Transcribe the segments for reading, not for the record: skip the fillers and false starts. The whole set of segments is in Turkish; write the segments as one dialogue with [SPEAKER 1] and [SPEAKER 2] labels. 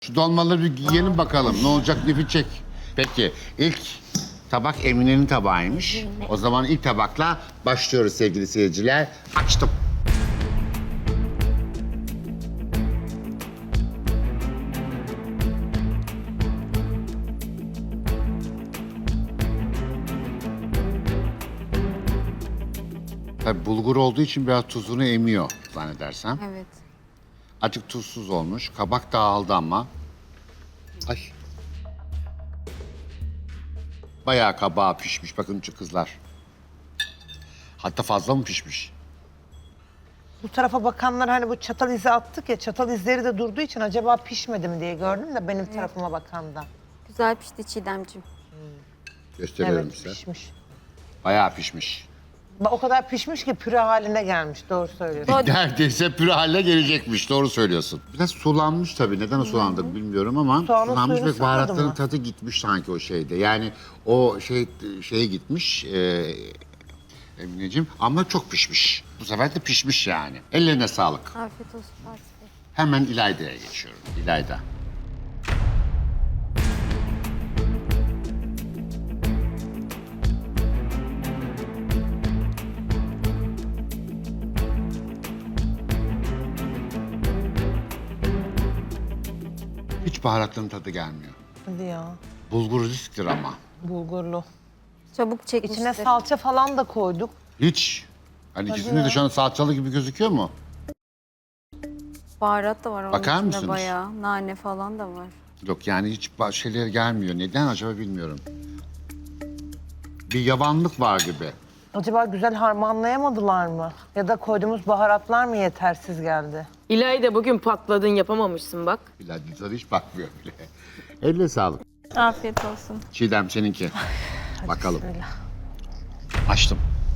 [SPEAKER 1] Şu dolmaları bir yiyelim bakalım. Ne olacak bir çek. Peki ilk tabak Emine'nin tabağıymış. O zaman ilk tabakla başlıyoruz sevgili seyirciler. Açtım. Tabii bulgur olduğu için biraz tuzunu emiyor zannedersem.
[SPEAKER 2] Evet.
[SPEAKER 1] Azıcık tuzsuz olmuş. Kabak dağıldı ama. Ay. Bayağı kabağı pişmiş. Bakın şu kızlar. Hatta fazla mı pişmiş?
[SPEAKER 3] Bu tarafa bakanlar hani bu çatal izi attık ya, çatal izleri de durduğu için acaba pişmedi mi diye gördüm de benim tarafıma bakan da.
[SPEAKER 2] Güzel pişti Çiğdemciğim.
[SPEAKER 1] Gösteriyorum
[SPEAKER 3] Evet
[SPEAKER 1] size.
[SPEAKER 3] pişmiş.
[SPEAKER 1] Bayağı pişmiş.
[SPEAKER 3] O kadar pişmiş ki püre haline gelmiş, doğru söylüyorsun.
[SPEAKER 1] Neredeyse püre haline gelecekmiş. Doğru söylüyorsun. Biraz sulanmış tabii. Neden o sulandı bilmiyorum ama
[SPEAKER 3] Soğanın
[SPEAKER 1] sulanmış
[SPEAKER 3] suyunu
[SPEAKER 1] ve baharatların
[SPEAKER 3] sıkmadın mı?
[SPEAKER 1] tadı gitmiş sanki o şeyde. Yani o şeye gitmiş. Emineciğim ama çok pişmiş. Bu sefer de pişmiş yani. Ellerine sağlık.
[SPEAKER 2] Afiyet olsun Fatih Bey.
[SPEAKER 1] Hemen İlayda'ya geçiyorum. İlayda. Hiç baharatların tadı gelmiyor.
[SPEAKER 3] Hadi ya,
[SPEAKER 1] Bulgur risktir ama.
[SPEAKER 3] bulgurlu.
[SPEAKER 2] Çabuk çekmiştir.
[SPEAKER 3] İçine salça falan da koyduk.
[SPEAKER 1] Hiç. Hani ikisinde de şu an salçalı gibi gözüküyor mu?
[SPEAKER 2] Baharat da var onun
[SPEAKER 1] Bakar
[SPEAKER 2] içinde
[SPEAKER 1] mısınız?
[SPEAKER 2] bayağı. Nane falan da var.
[SPEAKER 1] Yok yani hiç şeyler gelmiyor. Neden acaba bilmiyorum. Bir yavanlık var gibi.
[SPEAKER 3] Acaba güzel harmanlayamadılar mı? Ya da koyduğumuz baharatlar mı yetersiz geldi?
[SPEAKER 4] İlayda bugün patladın yapamamışsın bak.
[SPEAKER 1] Bilal sana hiç bakmıyor bile. Eline sağlık.
[SPEAKER 2] Afiyet olsun.
[SPEAKER 1] Çiğdem seninki. Bakalım.
[SPEAKER 3] Bismillah.
[SPEAKER 1] Açtım.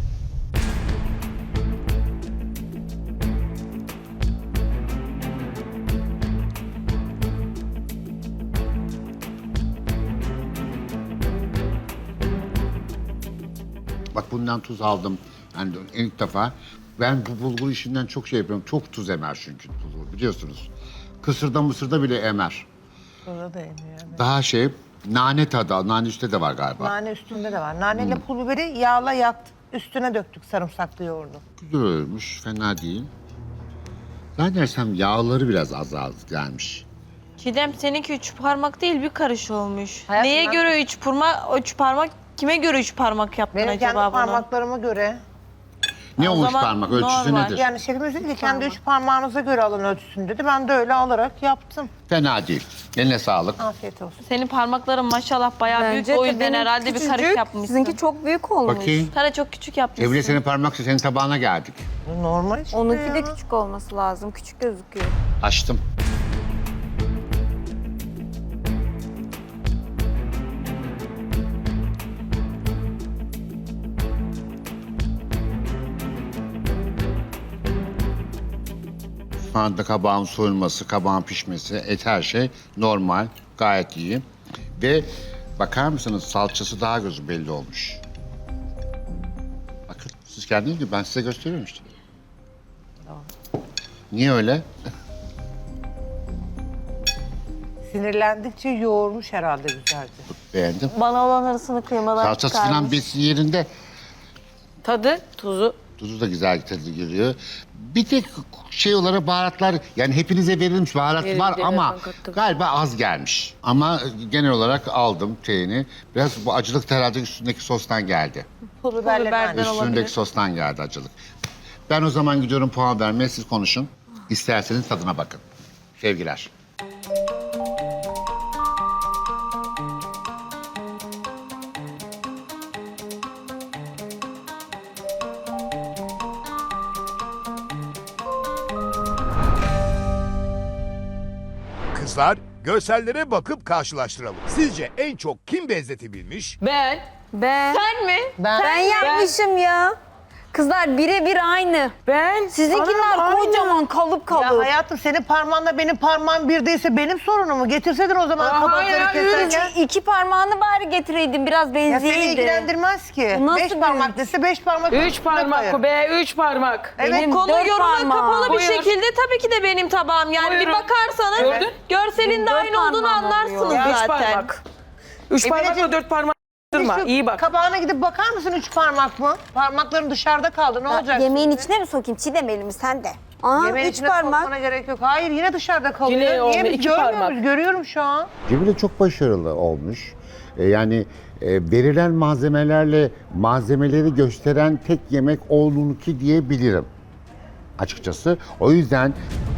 [SPEAKER 1] Bak bundan tuz aldım. Yani ilk defa. Ben bu bulgur işinden çok şey yapıyorum. Çok tuz emer çünkü bulgur biliyorsunuz. Kısırda mısırda bile emer.
[SPEAKER 3] Burada da yeniyor. Evet.
[SPEAKER 1] Daha nane tadı. Nane üstte de var galiba.
[SPEAKER 3] Nane üstünde de var. Naneyle pul biberi yağla yaktık. Üstüne döktük sarımsaklı yoğurdu.
[SPEAKER 1] Güzel olmuş. Fena değil. Zannedersem yağları biraz az gelmiş.
[SPEAKER 5] Çiğdem seninki 3 parmak değil bir karış olmuş.
[SPEAKER 3] Hayatım,
[SPEAKER 5] Neye
[SPEAKER 3] ben-
[SPEAKER 5] göre 3 parmak? Kime göre 3 parmak yaptın
[SPEAKER 3] Benim kendi
[SPEAKER 5] acaba bunu?
[SPEAKER 3] parmaklarıma göre.
[SPEAKER 1] Ne
[SPEAKER 5] O
[SPEAKER 1] olmuş
[SPEAKER 5] zaman
[SPEAKER 1] parmak? Ölçüsü
[SPEAKER 5] normal.
[SPEAKER 1] nedir?
[SPEAKER 3] Yani şefimiz dedi ki kendi 3 parmağınıza göre alın ölçüsünü dedi. Ben de öyle alarak yaptım.
[SPEAKER 1] Fena değil. Eline sağlık.
[SPEAKER 3] Afiyet olsun.
[SPEAKER 5] Senin parmakların maşallah bayağı büyük. O yüzden
[SPEAKER 2] benim
[SPEAKER 5] herhalde bir
[SPEAKER 2] küçücük,
[SPEAKER 5] karış yapmışsın.
[SPEAKER 2] Sizinki çok büyük olmuş.
[SPEAKER 1] Bakayım.
[SPEAKER 5] Sana çok küçük yapmışsın.
[SPEAKER 1] Evre senin parmaksa senin tabağına geldik.
[SPEAKER 3] Normal işte
[SPEAKER 2] Onunki
[SPEAKER 3] ya.
[SPEAKER 2] de küçük olması lazım. Küçük gözüküyor.
[SPEAKER 1] Açtım. Şu anda kabağın soyulması, kabağın pişmesi, et her şey normal, gayet iyi. Ve bakar mısınız salçası daha gözü belli olmuş. Bakın siz kendiniz gibi ben size gösteriyorum işte. Niye öyle?
[SPEAKER 3] Sinirlendikçe yoğurmuş herhalde güzelce.
[SPEAKER 1] Beğendim.
[SPEAKER 5] Bana olan arasını kıymalar
[SPEAKER 1] Salçası falan besi yerinde.
[SPEAKER 5] Tadı, tuzu.
[SPEAKER 1] Tuzu da güzel tadı giriyor. Bir tek şey olarak baharatlar yani hepinize verilmiş baharat
[SPEAKER 4] Verildi,
[SPEAKER 1] var
[SPEAKER 4] evet,
[SPEAKER 1] ama
[SPEAKER 4] ben kattım.
[SPEAKER 1] galiba az gelmiş. Ama genel olarak aldım şeyini. Biraz bu acılık da herhalde üstündeki sostan geldi.
[SPEAKER 3] Pul biberle
[SPEAKER 5] biberden
[SPEAKER 3] nane.
[SPEAKER 5] olabilir.
[SPEAKER 1] Üstündeki sostan geldi acılık. Ben o zaman gidiyorum puan vermeye siz konuşun. İsterseniz tadına bakın. Sevgiler.
[SPEAKER 6] Kızlar, görsellere bakıp karşılaştıralım. Sizce en çok kim benzetebilmiş?
[SPEAKER 4] Ben
[SPEAKER 2] Ben
[SPEAKER 5] Sen mi?
[SPEAKER 3] Ben
[SPEAKER 2] yapmışım ya. Kızlar birebir aynı.
[SPEAKER 4] Ben
[SPEAKER 2] Sizinkiler
[SPEAKER 4] Anam,
[SPEAKER 2] kocaman kalıp
[SPEAKER 3] Ya
[SPEAKER 2] kalıp.
[SPEAKER 3] hayatım senin parmağınla benim parmağım bir değilse benim sorunum mu? Getirseydin o zaman
[SPEAKER 4] Aa,
[SPEAKER 3] kabakları
[SPEAKER 4] hayır,
[SPEAKER 3] keserken.
[SPEAKER 2] İki parmağını bari getireydin biraz
[SPEAKER 3] Ya seni
[SPEAKER 2] benzeydi.
[SPEAKER 3] ilgilendirmez ki.
[SPEAKER 2] Bu nasıl
[SPEAKER 3] 5
[SPEAKER 2] bir-
[SPEAKER 3] parmak dese 5 parmak.
[SPEAKER 4] 3
[SPEAKER 3] üstüne
[SPEAKER 4] parmak
[SPEAKER 3] koyarım.
[SPEAKER 4] bu be, 3 parmak.
[SPEAKER 3] Evet.
[SPEAKER 2] Benim
[SPEAKER 5] Konu
[SPEAKER 2] 4
[SPEAKER 5] yoruma
[SPEAKER 2] parmağım.
[SPEAKER 5] kapalı bir
[SPEAKER 4] Buyur.
[SPEAKER 5] şekilde tabii ki de benim tabağım. Yani bir
[SPEAKER 4] Buyurun.
[SPEAKER 5] bakarsanız
[SPEAKER 4] Gördün?
[SPEAKER 5] görselin de
[SPEAKER 2] Dört
[SPEAKER 5] aynı olduğunu
[SPEAKER 2] parmağım
[SPEAKER 5] anlarsınız
[SPEAKER 2] oluyor.
[SPEAKER 4] 3
[SPEAKER 5] zaten.
[SPEAKER 4] parmak. 3
[SPEAKER 3] Emineciğim,
[SPEAKER 4] parmakla 4 parmak durma.
[SPEAKER 3] Şu
[SPEAKER 4] İyi bak.
[SPEAKER 3] Kabağına gidip bakar mısın 3 parmak mı? Parmakların dışarıda kaldı ne olacak?
[SPEAKER 2] Yemeğin
[SPEAKER 3] şimdi?
[SPEAKER 2] içine mi sokayım? Çiğdem elimi sen de. Aa,
[SPEAKER 3] Yemeğin
[SPEAKER 2] 3
[SPEAKER 3] içine
[SPEAKER 2] parmak.
[SPEAKER 3] sokmana gerek yok. Hayır yine dışarıda kalıyor.
[SPEAKER 4] Yine
[SPEAKER 3] Niye
[SPEAKER 4] olmuyor,
[SPEAKER 3] biz
[SPEAKER 4] 2
[SPEAKER 3] görmüyoruz?
[SPEAKER 4] parmak.
[SPEAKER 3] Görüyorum şu an.
[SPEAKER 1] Cemile çok başarılı olmuş. Yani verilen malzemelerle malzemeleri gösteren tek yemek olduğunu diyebilirim açıkçası. O yüzden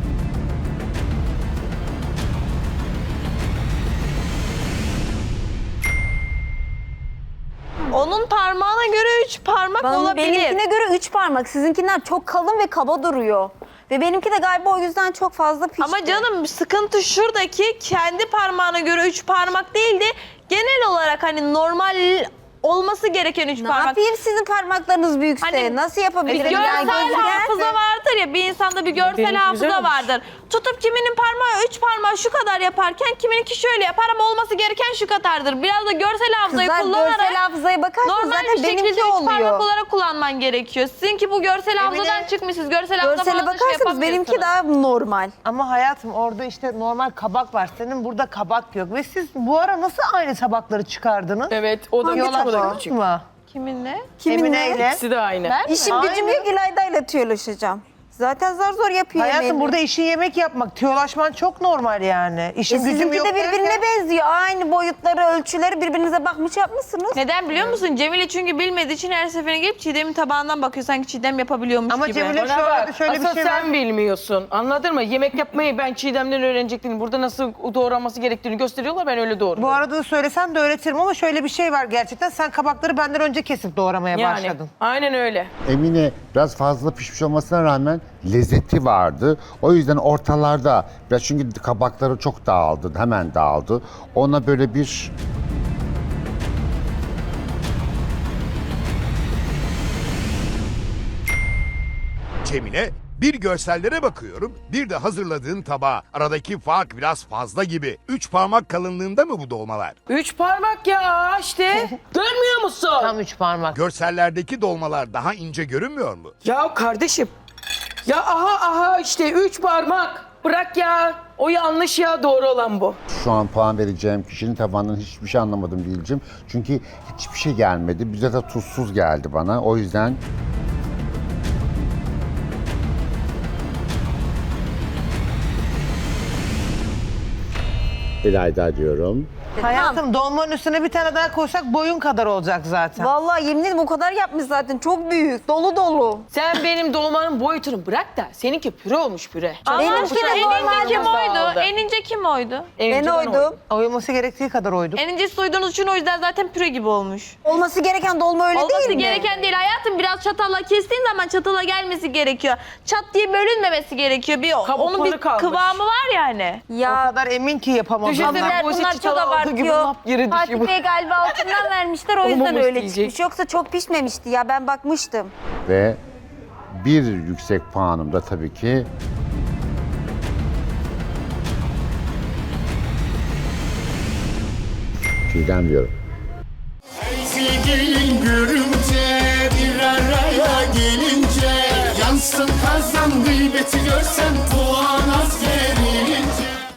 [SPEAKER 5] Onun parmağına göre 3 parmak olabilir.
[SPEAKER 2] Benimkine göre 3 parmak. Sizinkiler çok kalın ve kaba duruyor. Ve benimki de galiba o yüzden çok fazla pişti.
[SPEAKER 5] Ama canım sıkıntı şuradaki kendi parmağına göre 3 parmak değildi. Genel olarak hani normal olması gereken 3
[SPEAKER 2] ne
[SPEAKER 5] parmak.
[SPEAKER 2] yapayım sizin parmaklarınız büyükse?
[SPEAKER 5] Hani
[SPEAKER 2] Nasıl yapabilirim?
[SPEAKER 5] Görsel
[SPEAKER 2] Yani gözü
[SPEAKER 5] hafıza
[SPEAKER 2] gelse-
[SPEAKER 5] vardır ya, bir insanda bir görsel
[SPEAKER 4] Benimki
[SPEAKER 5] hafıza
[SPEAKER 4] güzel olmuş.
[SPEAKER 5] vardır. Tutup kiminin parmağı 3 parmağı şu kadar yaparken kimininki şöyle yapar ama olması gereken şu kadardır. Biraz da görsel hafızayı
[SPEAKER 2] Kızlar
[SPEAKER 5] kullanarak
[SPEAKER 2] görsel hafızaya bakarsanız
[SPEAKER 5] normal
[SPEAKER 2] zaten
[SPEAKER 5] bir şekilde
[SPEAKER 2] benimki
[SPEAKER 5] 3
[SPEAKER 2] oluyor.
[SPEAKER 5] parmak olarak kullanman gerekiyor. Sizinki bu görsel hafızadan çıkmış. Siz görsel hafıza
[SPEAKER 2] Görsele
[SPEAKER 5] falan da şey
[SPEAKER 2] bakarsanız benimki
[SPEAKER 5] yapamıyorsunuz.
[SPEAKER 2] daha normal.
[SPEAKER 3] Ama hayatım orada işte normal kabak var. Senin burada kabak yok. Ve siz bu ara nasıl aynı tabakları çıkardınız?
[SPEAKER 4] Evet, o da küçük, o da
[SPEAKER 3] Yolaştınız
[SPEAKER 4] küçük.
[SPEAKER 3] mı?
[SPEAKER 5] Kiminle?
[SPEAKER 3] Emine'yle.
[SPEAKER 4] İkisi de aynı.
[SPEAKER 5] Ben mi?
[SPEAKER 2] İşim gücüm
[SPEAKER 3] Aynen.
[SPEAKER 2] yok İlayda'yla tüyolaşacağım. Zaten zar zor yapıyor
[SPEAKER 3] Hayatım
[SPEAKER 2] yemeğini.
[SPEAKER 3] burada işin yemek yapmak. Tüyolaşman çok normal yani. İşin gücüm
[SPEAKER 2] Sizinki
[SPEAKER 3] yok
[SPEAKER 2] de birbirine
[SPEAKER 3] derken-
[SPEAKER 2] benziyor. Aynı boyutları, ölçüleri birbirinize bakmış yapmışsınız.
[SPEAKER 5] Neden biliyor musun? Cemile çünkü bilmediği için her seferine gelip Çiğdem'in tabağından bakıyor. Sanki Çiğdem yapabiliyormuş
[SPEAKER 3] Ama
[SPEAKER 5] gibi.
[SPEAKER 3] Cemile
[SPEAKER 4] Bana
[SPEAKER 3] şu arada
[SPEAKER 4] bak,
[SPEAKER 3] şöyle bir
[SPEAKER 4] asıl
[SPEAKER 3] şey var.
[SPEAKER 4] sen bilmiyorsun. Anladın mı? Yemek yapmayı ben Çiğdem'den öğrenecektim. Burada nasıl doğranması gerektiğini gösteriyorlar, ben öyle doğruyorum.
[SPEAKER 3] Bu arada da söylesem de öğretirim ama şöyle bir şey var gerçekten. Sen kabakları benden önce kesip doğramaya
[SPEAKER 4] Yani
[SPEAKER 3] başladın.
[SPEAKER 4] aynen öyle.
[SPEAKER 1] Emine biraz fazla pişmiş olmasına rağmen lezzeti vardı. O yüzden ortalarda biraz çünkü kabakları çok dağıldı, hemen dağıldı. Ona böyle bir
[SPEAKER 6] Cemile, bir görsellere bakıyorum, bir de hazırladığın tabağa. Aradaki fark biraz fazla gibi. 3 parmak kalınlığında mı bu dolmalar?
[SPEAKER 4] 3 parmak ya işte. Görmüyor musun?
[SPEAKER 3] Tam 3 parmak.
[SPEAKER 6] Görsellerdeki dolmalar daha ince görünmüyor mu?
[SPEAKER 4] Ya kardeşim. Ya aha işte 3 parmak. Bırak ya. O yanlış ya, doğru olan bu.
[SPEAKER 1] şu an puan vereceğim kişinin tabağından hiçbir şey anlamadım diyeceğim. Çünkü hiçbir şey gelmedi. Bize de tuzsuz geldi bana. O yüzden İlayda diyorum.
[SPEAKER 3] Hayatım dolmanın üstüne bir tane daha koysak boyun kadar olacak zaten.
[SPEAKER 2] Vallahi yemin ederim o kadar yapmış zaten. Çok büyük, dolu dolu.
[SPEAKER 4] Sen benim dolmanın boyutunu bırak da seninki püre olmuş püre.
[SPEAKER 5] Allah
[SPEAKER 2] Benimki
[SPEAKER 5] aşkına
[SPEAKER 2] de
[SPEAKER 5] en ince
[SPEAKER 2] normal
[SPEAKER 5] kim oydu?
[SPEAKER 4] dağıldı.
[SPEAKER 5] En ince kim oydu?
[SPEAKER 2] Ben oydum.
[SPEAKER 3] Oyulması gerektiği kadar oyduk.
[SPEAKER 5] En incesi soyduğunuz için o yüzden zaten püre gibi olmuş.
[SPEAKER 2] Olması gereken dolma öyle
[SPEAKER 5] Olması
[SPEAKER 2] değil mi?
[SPEAKER 5] gereken değil hayatım. Biraz çatalla kestiğin zaman çatala gelmesi gerekiyor. Çat diye bölünmemesi gerekiyor. Onun bir
[SPEAKER 4] kalmış.
[SPEAKER 5] kıvamı var yani.
[SPEAKER 3] O
[SPEAKER 2] Ya
[SPEAKER 3] kadar emin ki yapamaz.
[SPEAKER 4] Düşünsene.
[SPEAKER 3] onlar.
[SPEAKER 2] Bunlar,
[SPEAKER 4] bu işi
[SPEAKER 2] bunlar çok
[SPEAKER 4] çatala aldığı gibi
[SPEAKER 2] abartıyor.
[SPEAKER 4] lap yere düşüyor
[SPEAKER 2] Fatih
[SPEAKER 4] bu.
[SPEAKER 2] Bey galiba altından vermişler o yüzden
[SPEAKER 4] Olmamış
[SPEAKER 2] öyle
[SPEAKER 4] diyecek.
[SPEAKER 2] çıkmış. Yoksa çok pişmemişti ya ben bakmıştım.
[SPEAKER 1] Ve bir yüksek puanım da tabii ki Çiğdem diyorum.
[SPEAKER 7] Sevgilin görünce bir araya gelince yansın kazan gıybeti görsen puan